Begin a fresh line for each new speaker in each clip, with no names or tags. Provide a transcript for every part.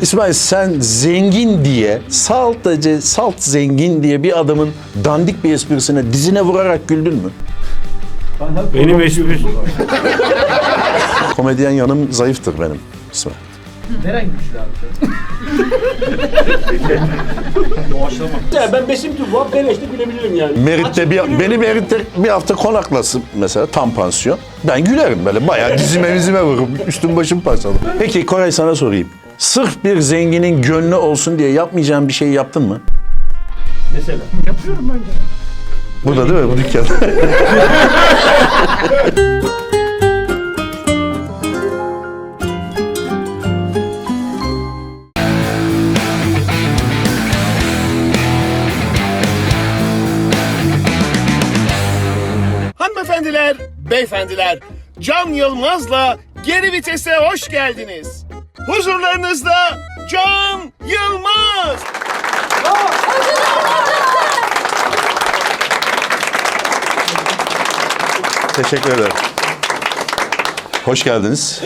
İsmail, sen zengin diye, salt zengin diye bir adamın dandik bir esprisine dizine vurarak güldün mü?
Benim espri.
Komedyen yanım zayıftır benim İsmail.
Neren güçlü abi?
Doğaçlama. Ya ben Besim Tüvva, Beleş'te gülebilirim yani.
Beni Merit'te bir hafta konaklasın mesela, tam pansiyon. Ben gülerim böyle, bayağı dizime vururum, üstüm başım parçalı. Peki Koray, sana sorayım. Sırf bir zenginin gönlü olsun diye yapmayacağın bir şey yaptın mı?
Mesela.
Yapıyorum ben de.
Burada değil mi, bu dükkanda?
Hanımefendiler, beyefendiler, Can Yılmaz'la Geri Vites'e hoş geldiniz. Huzurlarınızda Can Yılmaz.
Teşekkür ederim. Hoş geldiniz.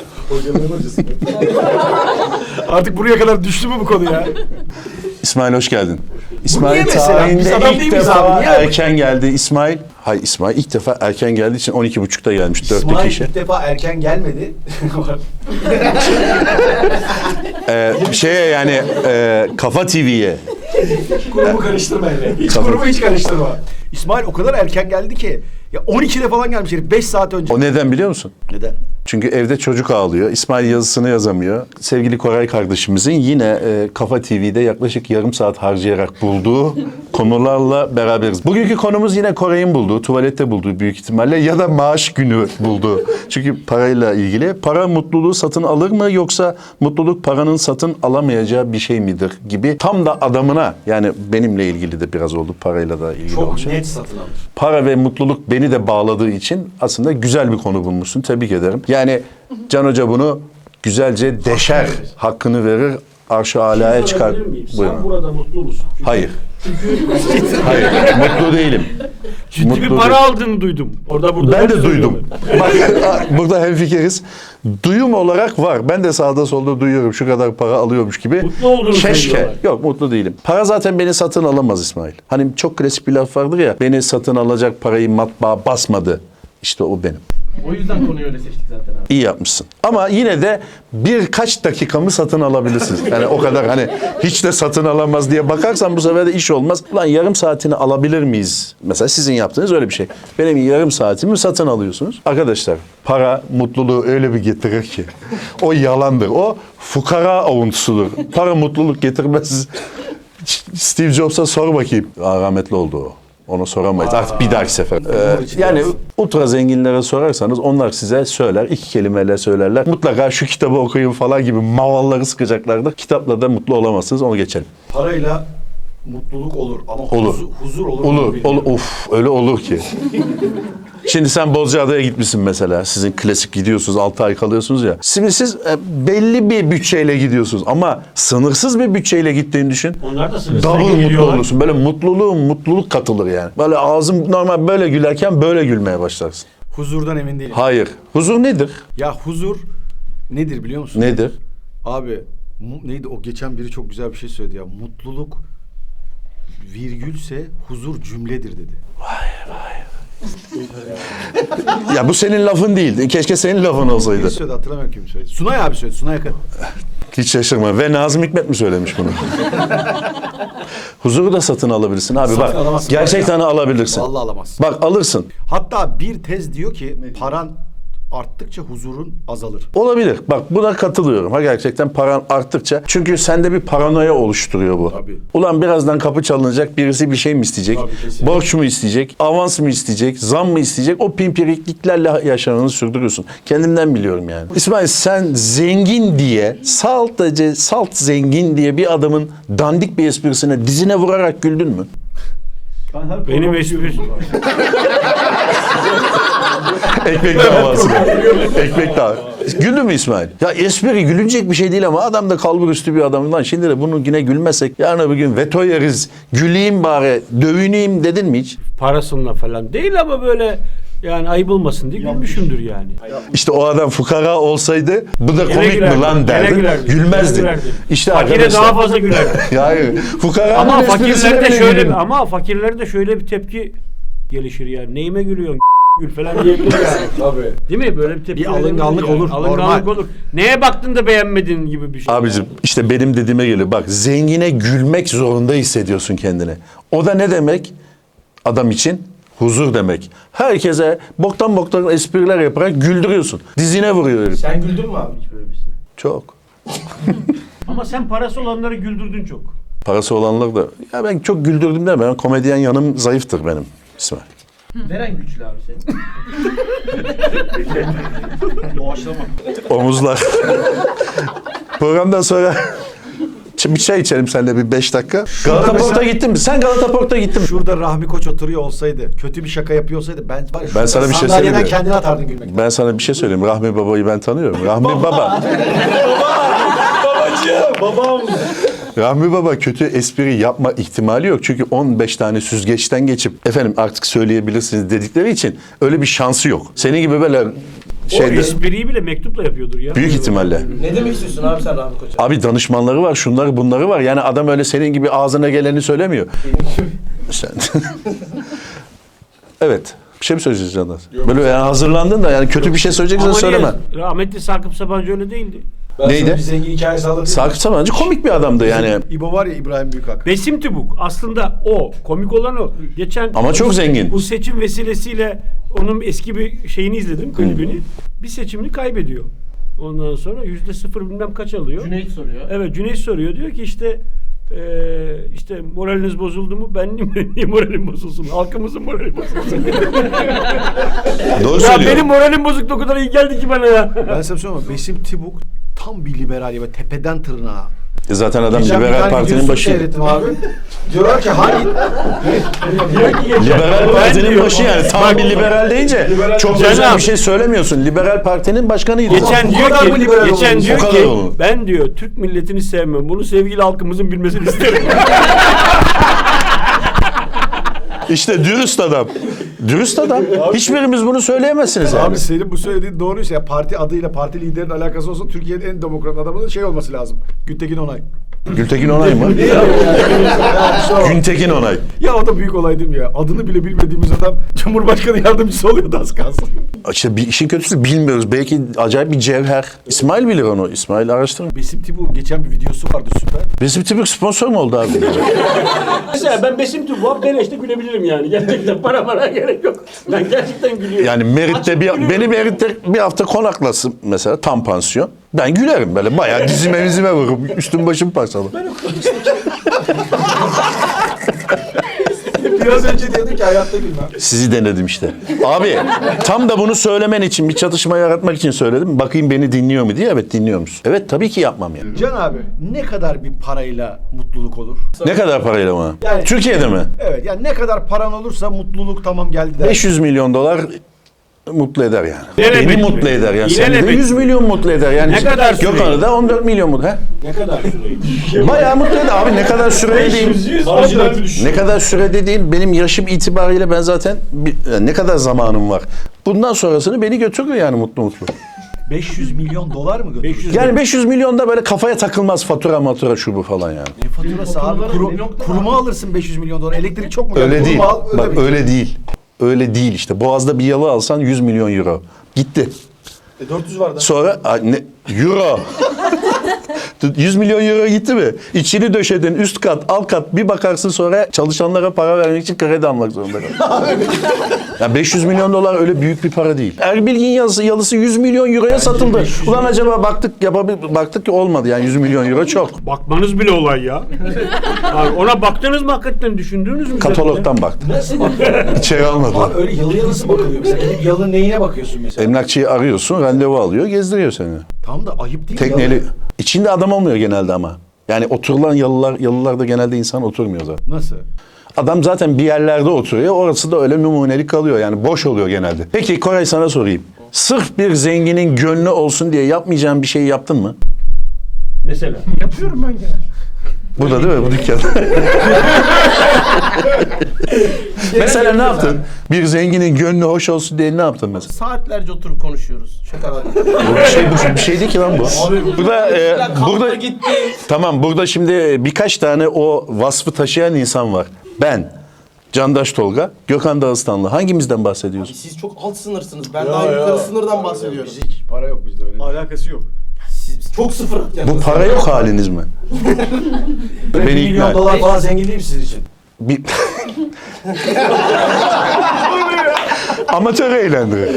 Artık buraya kadar düştü mü bu konu ya?
İsmail, hoş geldin. İsmail
niye mesela? Biz
tarihinde
adam
ilk
değil miyiz
defa
abi? Niye?
erken geldi İsmail. Hayır, İsmail ilk defa erken geldiği için 12.30'da gelmiş, 4'te
İsmail
kişi.
ilk defa erken gelmedi.
Kafa TV'ye.
Kurumu karıştırma hele. Hiç
Tabii.
kurumu hiç karıştırma. İsmail o kadar erken geldi ki. Ya 12'de falan gelmiş herif 5 saat önce.
O neden biliyor musun?
Neden?
Çünkü evde çocuk ağlıyor. İsmail yazısını yazamıyor. Sevgili Koray kardeşimizin yine Kafa TV'de yaklaşık yarım saat harcayarak bulduğu konularla beraberiz. Bugünkü konumuz yine Koray'ın bulduğu, tuvalette bulduğu büyük ihtimalle ya da maaş günü bulduğu. Çünkü parayla ilgili. Para mutluluğu satın alır mı, yoksa mutluluk paranın satın alamayacağı bir şey midir gibi. Tam da adamına, yani benimle ilgili de biraz oldu, parayla da ilgili
Çok
olacak.
net satın alır.
Para ve mutluluk beni de bağladığı için aslında güzel bir konu bulmuşsun. Tebrik ederim. Yani Can Hoca bunu güzelce deşer, hakkını verir, arş-ı alaya çıkar.
Sen
Buyurun.
burada mutlu musun?
Hayır. Hayır, mutlu değilim.
Ciddi
Mutlu
bir para
değil.
aldığını duydum. Burada
Ben de duydum. Bak, burada hemfikiriz. Duyum olarak var. Ben de sağda solda duyuyorum, şu kadar para alıyormuş gibi.
Mutlu olduğunu
Keşke.
söylüyorlar.
Yok, mutlu değilim. Para zaten beni satın alamaz İsmail. Hani çok klasik bir laf vardır ya, beni satın alacak parayı matbaa basmadı. İşte o benim.
O yüzden konuyu öyle seçtik zaten abi.
İyi yapmışsın. Ama yine de birkaç dakikamı satın alabilirsiniz. Yani o kadar hani hiç de satın alamaz diye bakarsan bu sefer de iş olmaz. Ulan yarım saatini alabilir miyiz? Mesela sizin yaptığınız öyle bir şey. Benim yarım saatimi satın alıyorsunuz. Arkadaşlar, para mutluluğu öyle bir getirir ki. O yalandır. O fukara avuntusudur. Para mutluluk getirmez. Steve Jobs'a sor bakayım. Rahmetli oldu o. Onu soramayız. Artık bir dahaki sefer. Yani ultra zenginlere sorarsanız onlar size söyler. 2 kelimeyle söylerler. Mutlaka şu kitabı okuyun falan gibi mavalları sıkacaklardır. Kitapla da mutlu olamazsınız. Onu geçelim.
Parayla mutluluk olur ama
Olur.
huzur olur.
Olur. Of, öyle olur ki. Şimdi sen Bozcaada'ya gitmişsin mesela. Sizin klasik gidiyorsunuz, 6 ay kalıyorsunuz ya. Şimdi siz belli bir bütçeyle gidiyorsunuz ama sınırsız bir bütçeyle gittiğini düşün.
Onlar da sınırsız
Double mutlu
geliyorlar.
olursun. Böyle mutluluk katılır yani. Böyle ağzım normal böyle gülerken böyle gülmeye başlarsın.
Huzurdan emin değilim.
Hayır. Huzur nedir?
Ya huzur nedir biliyor musun?
Nedir?
Abi neydi o, geçen biri çok güzel bir şey söyledi ya. Mutluluk virgülse huzur cümledir dedi.
Ya bu senin lafın değil. Keşke senin lafın olsaydı.
Kim söyledi hatırlamıyorum kim söyledi. Sunay abi söyledi. Sunay Akın.
Hiç şaşırma. Ve Nazım Hikmet mi söylemiş bunu? Huzuru da satın alabilirsin abi.
Satın
Bak,
alamazsın.
gerçekten alabilirsin.
Vallahi alamazsın.
Bak, alırsın.
Hatta bir tez diyor ki paran arttıkça huzurun azalır.
Olabilir. Bak, buna katılıyorum. Ha, gerçekten paran arttıkça. Çünkü sende bir paranoya oluşturuyor bu.
Tabii.
Ulan birazdan kapı çalınacak, birisi bir şey mi isteyecek?
Tabii, kesinlikle.
Borç mu isteyecek? Avans mı isteyecek? Zam mı isteyecek? O pimpirikliklerle yaşamını sürdürüyorsun. Kendimden biliyorum yani. İsmail, sen zengin diye, salt zengin diye bir adamın dandik bir esprisine dizine vurarak güldün mü?
Benim espri.
Ekmek davası. Ekmek davası. Güldün mü İsmail? Ya espri gülünecek bir şey değil ama adam da kalbur üstü bir adam. Lan şimdi de bunu yine gülmezsek yarın öbür gün veto yeriz. Güleyim bari, dövüneyim dedin mi hiç?
Parasınla falan değil ama böyle Yani ayıp olmasın diye gülmüşümdür yani.
İşte o adam fukara olsaydı bu da komik mi
gülerdi,
lan
gene
derdi.
gülerdi,
Gülmezdi.
gene gülerdi.
İşte
Fakire
arkadaşlar.
daha fazla gülerdi.
Hayır. Fukaranın
Ama
esprisine
fakirlerde
bile
şöyle
gülüyor.
fakirlerde şöyle bir tepki gelişir yani. Neyime gülüyorsun? Gül falan diyebilir yani.
Tabii.
Değil mi? Böyle bir tepki
Bir alınganlık
verebilir
olur,
Alınganlık
normal.
olur. Neye baktın da beğenmedin gibi bir şey.
Abicim işte benim dediğime geliyor. Bak zengine gülmek zorunda hissediyorsun kendini. O da ne demek? Adam için huzur demek. Herkese boktan espriler yaparak güldürüyorsun. Dizine vuruyor herif.
Sen güldün mü abi hiç böyle birisine?
Çok.
Ama sen parası olanları güldürdün çok.
Parası olanlar da. Ya ben çok güldürdüm de ben komedyen yanım zayıftır benim İsmail.
Neren güçlü abi senin?
Doğaçlama.
Omuzlar. Programdan sonra bir çay içelim seninle bir 5 dakika. Galata Port'a gittin mi? Sen Galata Port'a gittin mi?
Şurada Rahmi Koç oturuyor olsaydı, kötü bir şaka yapıyor olsaydı ben var ya,
Ben sana bir şey söyleyeyim
sandalyeden
mi?
kendini atardın gülmekten.
Ben sana bir şey söyleyeyim. Rahmi Baba'yı ben tanıyorum. Rahmi Baba.
Babam.
Rahmi Baba kötü espri yapma ihtimali yok. Çünkü 15 tane süzgeçten geçip efendim artık söyleyebilirsiniz dedikleri için öyle bir şansı yok. Senin gibi böyle
O
şeyde
espriyi bile mektupla yapıyordur ya.
büyük ihtimalle.
Ne demek istiyorsun abi sen Rahmi Koç'a?
Abi danışmanları var, şunları bunları var. Yani adam öyle senin gibi ağzına geleni söylemiyor. Sen. Evet. Bir şey mi söyleyeceksin Candan? Böyle yani hazırlandın da yani kötü bir şey söyleyeceksen
Ama
söyleme.
niye? Rahmetli Sakıp Sabancı öyle değildi.
Ben
Neydi?
sana bir zengin hikayesi anlatayım.
Sakıp Sabancı komik bir adamdı yani.
İbo var ya, İbrahim Büyükak.
Besim Tübük aslında o. Komik olan o. Geçen
Ama çok zengin.
Bu seçim vesilesiyle onun eski bir şeyini izledim, klibini. Bir seçimini kaybediyor. Ondan sonra %0 bilmem kaç alıyor.
Cüneyt soruyor.
Evet, Cüneyt soruyor. Diyor ki işte moraliniz bozuldu mu? Ben niye moralim bozulsun? Halkımızın morali bozulsun.
Doğru
Ya
söylüyor.
benim moralim bozuktu, o kadar iyi geldi ki bana ya.
Ben sana söyleyeyim mi? Besim Tibuk tam bir liberal ya, tepeden tırnağa.
Zaten adam
Geçen bir
Liberal
tane
Parti'nin
videosunu
başı.
seyrettim abi. Diyorlar ki hangi...
Liberal Parti'nin
diyor.
başı yani. Tam bir liberal deyince çok
Can
özel
abi.
bir şey söylemiyorsun. Liberal Parti'nin başkanıydı.
Geçen
bu
diyor
kadar mı
ki,
liberal
geçen
olmuş?
diyor
Bu
ki
kadar olur.
ben diyor Türk milletini sevmem. Bunu sevgili halkımızın bilmesini isterim.
İşte dürüst adam. Dürüst adam. Hiçbirimiz bunu söyleyemezsiniz yani.
Abi senin bu söylediğin doğruysa ya, parti adıyla parti liderinin alakası olsa Türkiye'nin en demokrat adamının şey olması lazım. Gültekin Onay.
Gültekin Onay mı? Güntekin Onay.
Ya o da büyük olay değil mi ya? Adını bile bilmediğimiz adam Cumhurbaşkanı yardımcısı oluyordu az kalsın.
İşte bir işin kötüsü bilmiyoruz. Belki acayip bir cevher. İsmail bilir onu. İsmail araştırın.
Besim Tibuk'un geçen bir videosu vardı süper.
Bizim tipik sponsor mu oldu abi?
Mesela ben Besim Tübük'e beleşte gülebilirim yani. Gerçekten para gerek yok. Ben gerçekten gülüyorum.
Yani Merit'te
Açık gülüyorum.
beni Merit'te bir hafta konaklasın mesela tam pansiyon. Ben gülerim böyle bayağı dizime vururum. Üstüm başım parçalı.
Biraz önce diyordun ki hayatta gülmem.
Sizi denedim işte. Abi tam da bunu söylemen için bir çatışma yaratmak için söyledim. Bakayım beni dinliyor mu diye. Evet dinliyor musun? Evet tabii ki yapmam yani.
Can abi ne kadar bir parayla mutluluk olur?
Ne kadar parayla mı?
Yani-
Türkiye'de mi?
Evet yani ne kadar paran olursa mutluluk tamam geldi der.
500 milyon dolar mutlu eder yani.
İlelebet
Beni
mi?
mutlu eder yani. Seni de
İlelebet
100 milyon mutlu eder yani.
Ne kadar süreyi?
Gökhan'ı da 14 milyon mutlu. He?
Ne kadar süreyi?
Bayağı mutlu eder abi. Ne kadar süre değil.
Marjinal bir düşün.
Ne kadar sürede değil. Benim yaşım itibariyle ben zaten ne kadar zamanım var. Bundan sonrasını beni götürür yani mutlu.
500 milyon dolar mı götürür?
500
Yani 500 milyonda böyle kafaya takılmaz fatura şu bu falan yani.
Ne faturası abi? Kuruma alırsın 500 milyon dolar. Elektrik çok mu?
Öyle
geldi?
değil.
Kurumu al, öde
Bak
bir.
öyle değil. Öyle değil işte. Boğaz'da bir yalı alsan 100 milyon euro. Gitti.
400 var da.
Sonra euro. 100 milyon euro gitti mi? İçini döşedin üst kat alt kat bir bakarsın sonra çalışanlara para vermek için kredi almak zorunda kaldın. Ya 500 milyon dolar öyle büyük bir para değil. Erbilgin yalısı 100 milyon euroya satıldı. Ulan acaba baktık ki olmadı yani 100 milyon euro çok.
Bakmanız bile olay ya. Abi ona baktınız mı hakikaten, düşündünüz mü?
Katalogdan baktım.
Nasıl
İçeri almadılar.
Abi öyle yalıya nasıl bakılıyor? Mesela gidip yalının neyine bakıyorsun mesela?
Emlakçıyı arıyorsun, randevu alıyor, gezdiriyor seni.
Tam da ayıp değil mi?
Tekneli.
Yalı-
İçinde adam olmuyor genelde ama. Yani oturulan yalılarda genelde insan oturmuyor zaten.
Nasıl?
Adam zaten bir yerlerde oturuyor. Orası da öyle numunelik kalıyor. Yani boş oluyor genelde. Peki Koray sana sorayım. Sırf bir zenginin gönlü olsun diye yapmayacağın bir şey yaptın mı?
Mesela.
Yapıyorum ben genelde.
Burada değil mi bu dükkan? Mesela ne yaptın? Bir zenginin gönlü hoş olsun diye ne yaptın mesela?
Saatlerce oturup konuşuyoruz. Şakalar.
Bir şey değil ki lan bu. Burada
gitti.
tamam burada şimdi birkaç tane o vasfı taşıyan insan var. Ben, Candaş Tolga, Gökhan Dağıstanlı. Hangimizden bahsediyorsun?
Siz çok alt sınırsınız. Ben daha yukarı sınırdan bahsediyorum.
Hiç para yok bizde öyle.
Alakası yok.
Siz çok sıfır.
Bu para yok haliniz mi? Beni
1
ikna
milyon
et.
dolar falan zengin değil mi sizin için?
Bir... Amatör eğlendiriyor.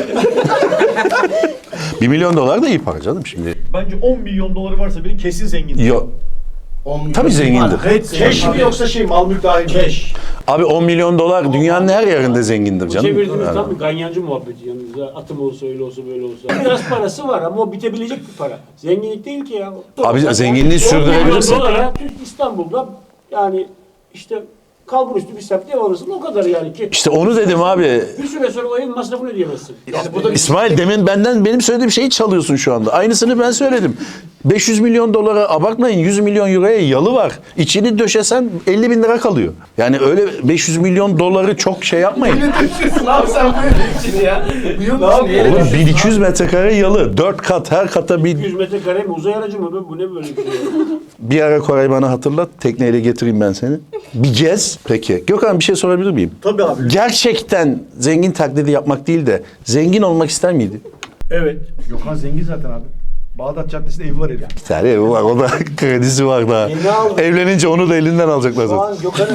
1 milyon dolar da iyi para canım şimdi.
Bence 10 milyon doları varsa biri kesin zengin.
Yok. Tabii zengindir.
Keş mi yoksa mal mülk dahil mi? Keş.
Abi 10 milyon dolar dünyanın her yerinde zengindir canım.
Çevirdiğimiz
Yani.
tam bir ganyancı muhabbeti yanımızda. Atım olsa öyle olsa böyle olsa. Biraz parası var ama o bitebilecek bir para. Zenginlik değil ki ya.
Abi zenginliği sürdürebilirsin.
Dolara İstanbul'da yani işte kalbur üstü bir semt ev alırsın o kadar yani ki.
İşte onu dedim abi.
Bir süre sonra o evin masrafını ödeyemezsin.
Yani burada
İsmail demin benim söylediğim şeyi çalıyorsun şu anda. Aynısını ben söyledim. 500 milyon dolara abartmayın 100 milyon euroya yalı var. İçini döşesen 50 bin lira kalıyor. Yani öyle 500 milyon doları çok şey yapmayın.
ne yapsam böyle için ya.
Oğlum 1200 metrekare yalı. 4 kat her kata bir...
100 metrekare mi uzay aracı mı? Bu ne böyle bir şey?
Bir ara Koray bana hatırlat. Tekneyle getireyim ben seni. Bir gez. Peki. Gökhan bir şey sorabilir miyim?
Tabii abi.
Gerçekten zengin taklidi yapmak değil de zengin olmak ister miydi?
Evet.
Gökhan zengin zaten abi. Bağdat Caddesi'nde evi var herif.
Bir tane evi var. O da kredisi var daha.
ne aldın?
Evlenince onu da elinden alacaklar zaten.
Lan Gökhan'ın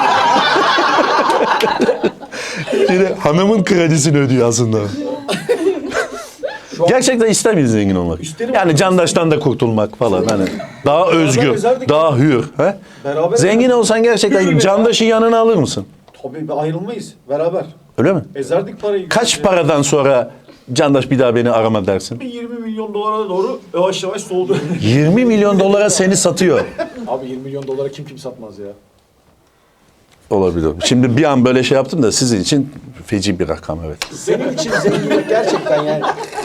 Şimdi hanımın kredisini ödüyor aslında. Gerçekten ister miydin zengin olmak?
İsterim.
Yani Candaş'tan da kurtulmak falan hani. Daha özgür,
gezerdik.
daha hür. He?
Beraber
Zengin olsan gerçekten
Yürü be
Candaş'ı yanına alır mısın?
Tabii ayrılmayız. Beraber.
Öyle mi?
Ezerdik parayı.
Kaç paradan sonra Candaş bir daha beni arama dersin?
Bir 20 milyon dolara doğru yavaş yavaş soğudu.
20 milyon dolara seni satıyor.
Abi 20 milyon dolara kim satmaz ya.
Olabilir. Şimdi bir an böyle şey yaptım da sizin için feci bir rakam evet.
Senin için zenginlik gerçekten yani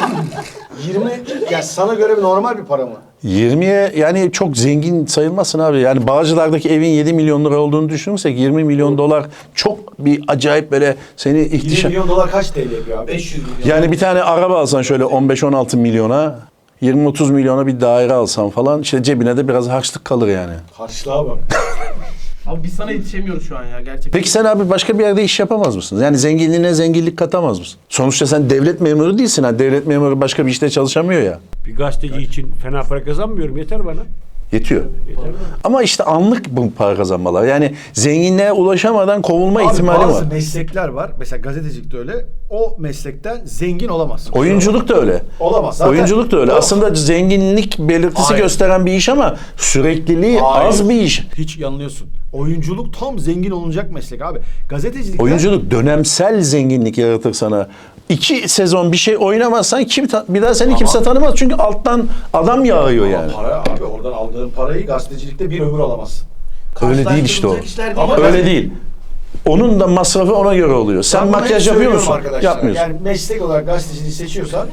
20 ya sana göre bir normal bir para mı?
20'ye yani çok zengin sayılmazsın abi. Yani Bağcılar'daki evin 7 milyon lira olduğunu düşünürsek 20 milyon dolar çok bir acayip böyle seni
20
ihtişam...
milyon dolar kaç TL yapıyor abi?
500 milyon.
Yani bir tane araba alsan şöyle 15-16 milyona 20-30 milyona bir daire alsan falan işte cebine de biraz harçlık kalır yani.
Harçlığa bak.
Abi biz sana yetişemiyoruz şu an ya gerçekten.
Peki sen abi başka bir yerde iş yapamaz mısın? Yani zenginliğine zenginlik katamaz mısın? Sonuçta sen devlet memuru değilsin ha. Devlet memuru başka bir işte çalışamıyor ya.
Bir gazeteci için fena para kazanmıyorum. Yeter bana.
Yetiyor. Ama işte anlık bu para kazanmalar. Yani zenginliğe ulaşamadan kovulma
Abi
ihtimali
bazı
var.
meslekler var. Mesela gazetecilik de öyle. O meslekten zengin olamazsın.
Oyunculuk da öyle.
Olamaz. Zaten
Oyunculuk da öyle.
Yok.
Aslında zenginlik belirtisi
Hayır.
gösteren bir iş ama sürekliliği
Hayır.
az bir iş.
Hiç yanılıyorsun. Oyunculuk tam zengin olunacak meslek abi. Gazetecilik
Oyunculuk dönemsel zenginlik yaratır sana. 2 sezon bir şey oynamazsan bir daha seni kimse tanımaz. Çünkü alttan adam yağıyor yani.
Para abi oradan aldığın parayı gazetecilikte bir ömür alamazsın.
Öyle değil işte o.
Karşılaştırılacak işler değil.
Ama
Öyle değil. Onun da masrafı ona göre oluyor. Sen
Ben bunu
makyaj
hep
yapıyor
söylüyorum
musun?
arkadaşlar.
Yapmıyorsun.
Yani meslek olarak gazeteciliği seçiyorsan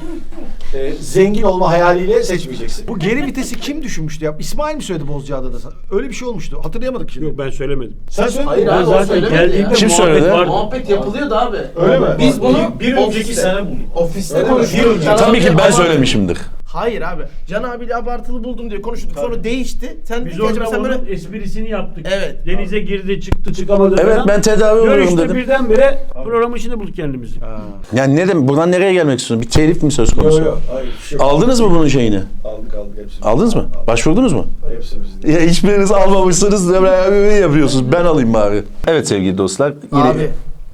zengin olma hayaliyle seçmeyeceksin. Bu geri vitesi kim düşünmüştü ya? İsmail mi söyledi Bozcaada'da? Öyle bir şey olmuştu. Hatırlayamadık şimdi.
Yok ben söylemedim.
Sen söyledin
Hayır
mi?
abi,
Ben
o
zaten
söylemedi
geldiğimde
ya.
Kim
muhabbet
söyledi?
vardı.
Muhabbet yapılıyordu abi.
Öyle mi?
Biz bunu
Bir önceki sene bulduk.
ofiste
Öyle mi?
konuştuk.
Tabii ki ben söylemişimdir.
Hayır abi. Can abiyle abartılı buldum diye konuştuk. Sonra değişti. Sen
Biz
dedin ki acaba
orada
sen böyle
onun esprisini yaptık.
Evet.
Denize girdi çıktı çıkamadı
Evet
falan.
ben tedavi oluyorum
Görüştü
dedim.
birdenbire programın içinde bulduk kendimizi.
Yani ne demek? Buradan nereye gelmek istiyorsun? Bir telif mi söz konusu?
Yok. Hayır. Bir şey
Aldınız mı bunun şeyini?
Aldık hepsini.
Aldınız mı? Başvurdunuz mu?
Hepsini biz.
Ya hiçbiriniz almamışsınız da böyle yapıyorsunuz. Ben alayım bari. Evet sevgili dostlar. Yine
abi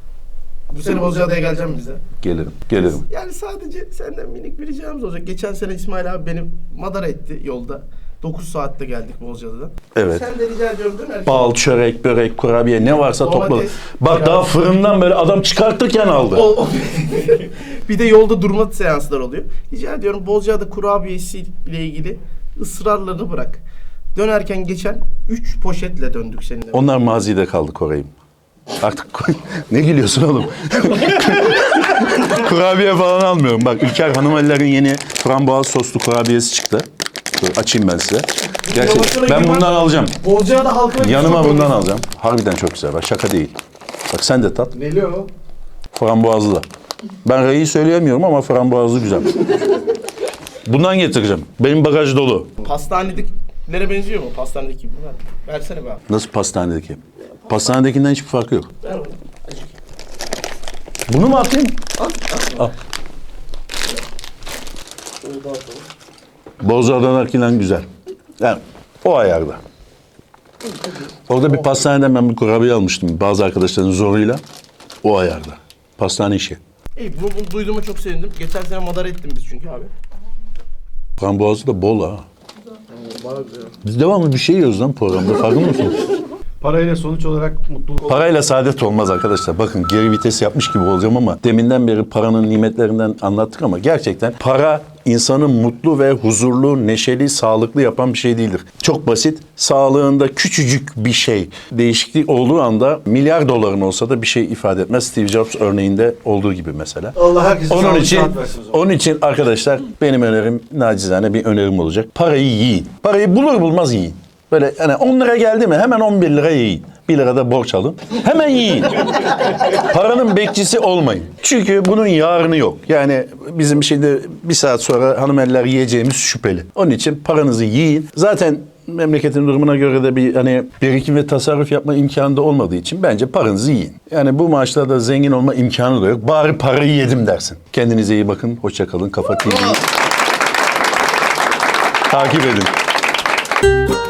bu sene Bozcaada'ya geleceğim bize.
Gelirim.
Yani sadece senden minik bir ricamız olacak. Geçen sene İsmail abi beni madara etti yolda. 9 saatte geldik Bozcaada'dan.
Evet.
Sen de rica ediyorum dönerken.
Bal, çörek, börek, kurabiye ne varsa
Domates,
topladık. Bak daha fırından böyle adam çıkartırken aldı.
Bir de yolda durma seanslar oluyor. Rica ediyorum Bozcaada kurabiyesi ile ilgili ısrarlarını bırak. Dönerken geçen 3 poşetle döndük seninle.
Onlar mazide kaldı Koray'ım. Artık ne gülüyorsun oğlum? Kurabiye falan almıyorum. Bak İlker Hanımeliler'in yeni frambuaz soslu kurabiyesi çıktı. Dur, açayım ben size. Gerçekten ben bundan alacağım.
Bozcaada halkına
Yanıma bundan alacağım. Harbiden çok güzel. Bak şaka değil. Bak sen de tat.
Neli o?
Frambuazlı. Ben R'yi söyleyemiyorum ama frambuazlı güzel. Bundan getireceğim. Benim bagaj dolu.
Pastanedekilere benziyor mu? Pastanedeki gibi. Versene be abi.
Nasıl pastanedeki? Pastanedekinden hiçbir farkı yok.
Ver onu.
Bunu mu atayım? Al. Bozcaada'dakinden güzel. Yani o ayarda. Orada bir pastaneden ben bir kurabiye almıştım bazı arkadaşların zoruyla. O ayarda. Pastane işi.
İyi bunu duyduğuma çok sevindim. Geçen sene madara ettim biz çünkü abi.
Frambuazı da bol ha. Biz devamlı bir şey yiyoruz lan programda. Farkında mısınız?
Parayla sonuç olarak mutluluk
Parayla saadet olmaz arkadaşlar. Bakın geri vites yapmış gibi olacağım ama deminden beri paranın nimetlerinden anlattık ama gerçekten para insanı mutlu ve huzurlu, neşeli, sağlıklı yapan bir şey değildir. Çok basit. Sağlığında küçücük bir şey değişiklik olduğu anda milyar doların olsa da bir şey ifade etmez. Steve Jobs örneğinde olduğu gibi mesela.
Allah herkese
Onun
sağlık,
için,
sıhhat versin o zaman.
onun için arkadaşlar benim önerim nacizane bir önerim olacak. Parayı yiyin. Parayı bulur bulmaz yiyin. Böyle hani 10 lira geldi mi hemen 11 lira yiyin. 1 lira da borç alın. Hemen yiyin. Paranın bekçisi olmayın. Çünkü bunun yarını yok. Yani bizim şimdi bir saat sonra hanımeller yiyeceğimiz şüpheli. Onun için paranızı yiyin. Zaten memleketin durumuna göre de bir hani birikim ve tasarruf yapma imkanı da olmadığı için bence paranızı yiyin. Yani bu maaşlarda zengin olma imkanı da yok. Bari parayı yedim dersin. Kendinize iyi bakın. Hoşça kalın. Kafa TV'yi takip edin.